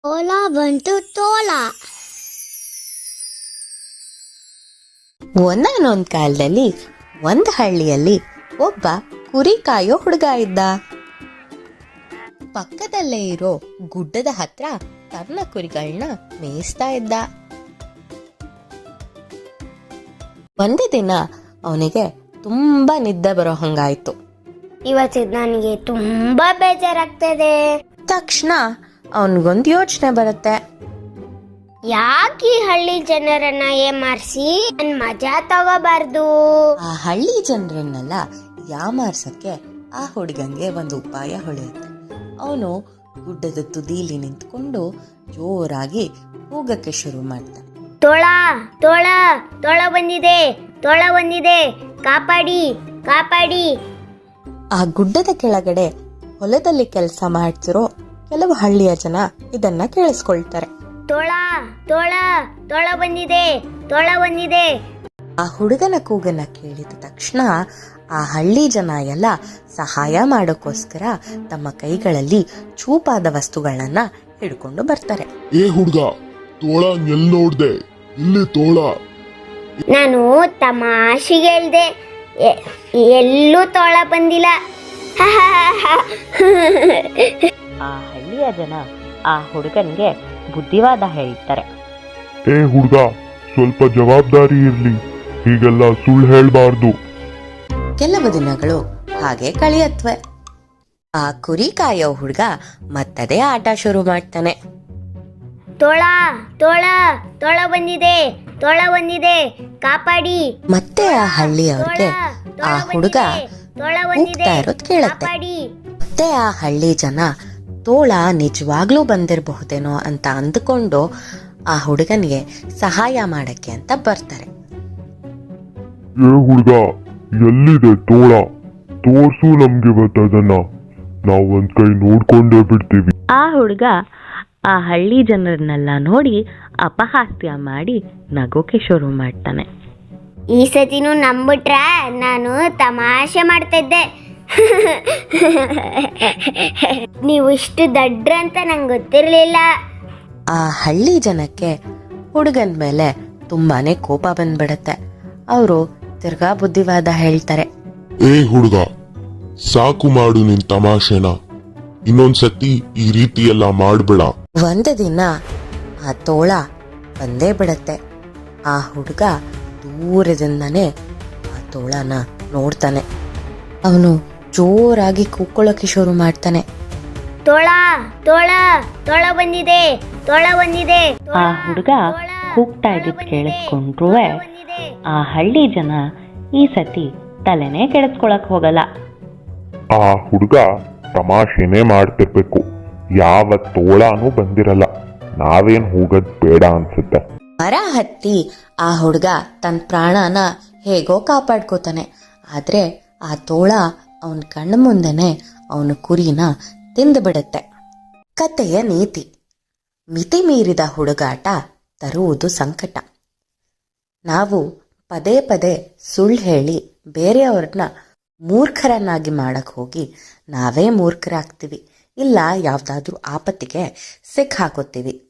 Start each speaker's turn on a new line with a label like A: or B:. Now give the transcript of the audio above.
A: ತೋಳ ಬಂತು ತೋಳ.
B: ಒಂದಾನೊಂದ್ ಕಾಲದಲ್ಲಿ ಒಂದ್ ಹಳ್ಳಿಯಲ್ಲಿ ಒಬ್ಬ ಕುರಿ ಕಾಯೋ ಹುಡುಗ ಇದ್ದ. ಪಕ್ಕದಲ್ಲೇ ಇರೋ ಗುಡ್ಡದ ಹತ್ರ ತನ್ನ ಕುರಿಗಳನ್ನ ಮೇಯಿಸ್ತಾ ಇದ್ದ. ಒಂದು ದಿನ ಅವನಿಗೆ ತುಂಬಾ ನಿದ್ದೆ ಬರೋ ಹಂಗಾಯ್ತು.
A: ಇವತ್ತು ನನಗೆ ತುಂಬಾ ಬೇಜಾರಾಗ್ತದೆ.
B: ತಕ್ಷಣ ಅವನಿಗೊಂದು ಯೋಚನೆ ಬರುತ್ತೆ.
A: ಯಾಕೆ ಈ ಹಳ್ಳಿ ಜನರನ್ನ ಏಮಾರಿಸಿ ನನ್ ಮಜಾ ತಗೋಬಾರ್ದು?
B: ಆ ಹಳ್ಳಿ ಜನರನ್ನೆಲ್ಲ ಯಾಮಾರ್ಸಕ್ಕೆ ಆ ಹುಡುಗಂಗೆ ಒಂದು ಉಪಾಯ ಹೊಳೆಯುತ್ತೆ. ಅವನು ಗುಡ್ಡದ ತುದೀಲಿ ನಿಂತ್ಕೊಂಡು ಜೋರಾಗಿ ಕೂಗಕ್ಕೆ ಶುರು ಮಾಡ್ತಾನೆ.
A: ತೋಳ ತೋಳ ತೋಳ ಬಂದಿದೆ, ತೋಳ ಬಂದಿದೆ, ಕಾಪಾಡಿ ಕಾಪಾಡಿ.
B: ಆ ಗುಡ್ಡದ ಕೆಳಗಡೆ ಹೊಲದಲ್ಲಿ ಕೆಲಸ ಮಾಡ್ತಿರೋ ಕೆಲವು ಹಳ್ಳಿಯ ಜನ ಇದನ್ನ ಕೇಳಿಸ್ಕೊಳ್ತಾರೆ.
A: ತೋಳ ತೋಳ ತೋಳ ಬಂದಿದೆ, ತೋಳ ಬಂದಿದೆ.
B: ಆ ಹುಡುಗನ ಕೂಗನ್ನ ಕೇಳಿದ ತಕ್ಷಣ ಆ ಹಳ್ಳಿ ಜನ ಎಲ್ಲ ಸಹಾಯ ಮಾಡೋಕ್ಕೋಸ್ಕರ ತಮ್ಮ ಕೈಗಳಲ್ಲಿ ಚೂಪಾದ ವಸ್ತುಗಳನ್ನ ಹಿಡ್ಕೊಂಡು ಬರ್ತಾರೆ.
C: ಏ ಹುಡ್ಗ, ತೋಳ ಎಲ್ ನೋಡ್ದೆ? ಇಲ್ಲಿ ತೋಳ.
A: ನಾನು ತಮಾಷೆಗೆ ಹೇಳ್ದೆ, ಎಲ್ಲೂ ತೋಳ ಬಂದಿಲ್ಲ.
B: ಆ ಹಳ್ಳಿಯ ಜನ ಆ ಹುಡುಗನ್ಗೆ ಬುದ್ಧಿವಾದ ಹೇಳ್ತಾರೆ.
C: ಏ ಹುಡ್ಗ, ಸ್ವಲ್ಪ ಜವಾಬ್ದಾರಿ ಇರ್ಲಿ, ಹೀಗೆಲ್ಲ ಸುಳ್ಳು ಹೇಳ್ಬಾರ್ದು.
B: ಕೆಲವು ದಿನಗಳು ಹಾಗೆ ಕಳೆಯತ್ವೆ. ಆ ಕುರಿ ಕಾಯೋ ಹುಡುಗ ಮತ್ತದೇ ಆಟ ಶುರು ಮಾಡ್ತಾನೆ.
A: ತೋಳ ತೋಳ ತೋಳ ಬಂದಿದೆ, ತೋಳ ಬಂದಿದೆ, ಕಾಪಾಡಿ.
B: ಮತ್ತೆ ಆ ಹಳ್ಳಿಯವ್ರಿಗೆ ಆ ಹುಡುಗ ಕೂಗ್ತಾ ಇರೋದ್ ಕೇಳತ್ತೆ. ಮತ್ತೆ ಆ ಹಳ್ಳಿ ಜನ ತೋಳ ನಿಜವಾಗ್ಲೂ ಬಂದಿರಬಹುದೇನೋ ಅಂತ ಅಂದುಕೊಂಡು ಆ ಹುಡುಗನಿಗೆ ಸಹಾಯ ಮಾಡಕ್ಕೆ ಅಂತ ಬರ್ತಾರೆ.
C: ಏ ಹುಡ್ಗ, ಎಲ್ಲಿದೆ ತೋಳ? ತೋರ್ಸು ನಮ್ಗೆ ಇವತ್ತದನ್ನ, ನಾವು ಒಂದ್ ಕೈ ನೋಡ್ಕೊಂಡೇ ಬಿಡ್ತೀವಿ.
B: ಆ ಹುಡುಗ ಆ ಹಳ್ಳಿ ಜನರನ್ನೆಲ್ಲ ನೋಡಿ ಅಪಹಾಸ್ಯ ಮಾಡಿ ನಗೋಕೆ ಶುರು ಮಾಡ್ತಾನೆ.
A: ಈ ಸತಿನೂ ನಂಬಿಟ್ರ ನಾನು ತಮಾಷೆ ಮಾಡ್ತಾ ಇದ್ದೆ. ನೀವು ಇಷ್ಟು ದಡ್ರ ಅಂತ ನಂಗೆ ಗೊತ್ತಿರ್ಲಿಲ್ಲ.
B: ಆ ಹಳ್ಳಿ ಜನಕ್ಕೆ ಹುಡುಗನ ಮೇಲೆ ತುಂಬಾನೇ ಕೋಪ ಬಂದ್ಬಿಡತ್ತೆ. ಅವರು ತಿರ್ಗಾ ಬುದ್ಧಿವಾದ ಹೇಳ್ತಾರೆ.
C: ಏ ಹುಡ್ಗ, ಸಾಕು ಮಾಡು ನಿನ್ ತಮಾಷೆನ, ಇನ್ನೊಂದ್ಸತಿ ಈ ರೀತಿ ಎಲ್ಲ ಮಾಡ್ಬೇಡ.
B: ಒಂದು ದಿನ ಆ ತೋಳ ಬಂದೇ ಬಿಡತ್ತೆ. ಆ ಹುಡುಗ ದೂರದಿಂದನೇ ಆ ತೋಳನ ನೋಡ್ತಾನೆ. ಅವನು ಜೋರಾಗಿ ಕೂಕ್ಕೊಳ್ಳೋಕೆ ಶುರು ಮಾಡ್ತಾನೆ.
A: ತೋಳ ತೋಳ ತೋಳ ಬಂದಿದೆ, ತೋಳ ಬಂದಿದೆ.
B: ಆ ಹುಡುಗ ಕೂಗ್ತಾ ಇದ್ದಿದ್ ಕೇಳಿಸ್ಕೊಂಡ್ರೂ ಆ ಹಳ್ಳಿ ಜನ ಈ ಸತಿ ತಲೆನೇ ಕೆಡಿಸ್ಕೊಳಕ್ ಹೋಗಲ್ಲ.
C: ಆ ಹುಡ್ಗ ತಮಾಷೆನೇ ಮಾಡ್ತಿರ್ಬೇಕು, ಯಾವ ತೋಳನೂ ಬಂದಿರಲ್ಲ, ನಾವೇನ್ ಹೋಗದ್ ಬೇಡ ಅನ್ಸುತ್ತೆ.
B: ಮರ ಹತ್ತಿ ಆ ಹುಡುಗ ತನ್ನ ಪ್ರಾಣನ ಹೇಗೋ ಕಾಪಾಡ್ಕೋತಾನೆ. ಆದ್ರೆ ಆ ತೋಳ ಅವನ ಕಣ್ಣ ಮುಂದೆನೆ ಅವನ ಕುರಿನ ತಿಂದು ಬಿಡುತ್ತೆ. ಕತೆಯ ನೀತಿ: ಮಿತಿ ಮೀರಿದ ಹುಡುಗಾಟ ತರುವುದು ಸಂಕಟ. ನಾವು ಪದೇ ಪದೇ ಸುಳ್ಳು ಹೇಳಿ ಬೇರೆಯವ್ರನ್ನ ಮೂರ್ಖರನ್ನಾಗಿ ಮಾಡಕ್ ಹೋಗಿ ನಾವೇ ಮೂರ್ಖರಾಗ್ತೀವಿ, ಇಲ್ಲ ಯಾವ್ದಾದ್ರೂ ಆಪತ್ತಿಗೆ ಸಿಕ್ಕಾಕೋತೀವಿ.